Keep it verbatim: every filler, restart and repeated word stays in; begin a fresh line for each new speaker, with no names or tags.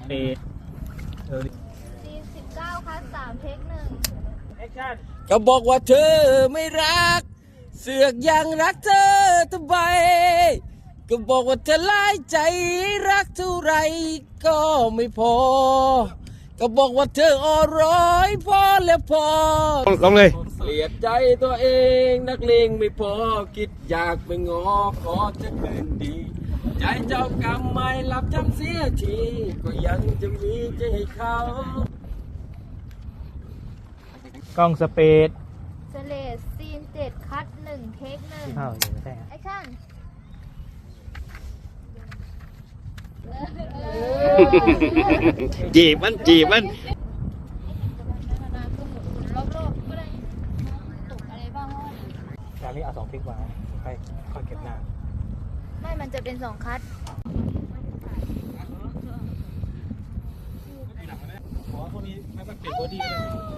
เปดเออ
ซีนสิบเก้าคัสสามเทคหนึ่ง
แอคชั่น
ก็บอกว่าเธอไม่รัก เสือกยังรักเธอทำไมก็บอกว่าเธอร้ายใจรักเท่าไรก็ไม่พอ ก็บอกว่าเธออ่อนร้อยพอแล้วพอลองเลยเกลียดใจตัวเองนักเลงไม่พอคิดอยากไปงอขอจะคืนดี ใจเจ้ากรรมไม่รับจำเสียทีก็ยังจะมีใจให้เขา
กล้องสเปด
สเลสซีนเจ็ดคัสหนึ่งเทคหนึ่ง
อ้าวอยู่ไม่ใช่ฮะ
แอคชั่น
จีบมันจีบมัน
รอบๆก็ได้ตกอะไรบ้างว่า
งานนี้เอาสองคลิกมาค่อยค่อยเก็บหน้า
ไม่มันจะเป็นสองคัส
ขอพวกนี้ไม่ต้องเปลี่ยนบอดี้เลย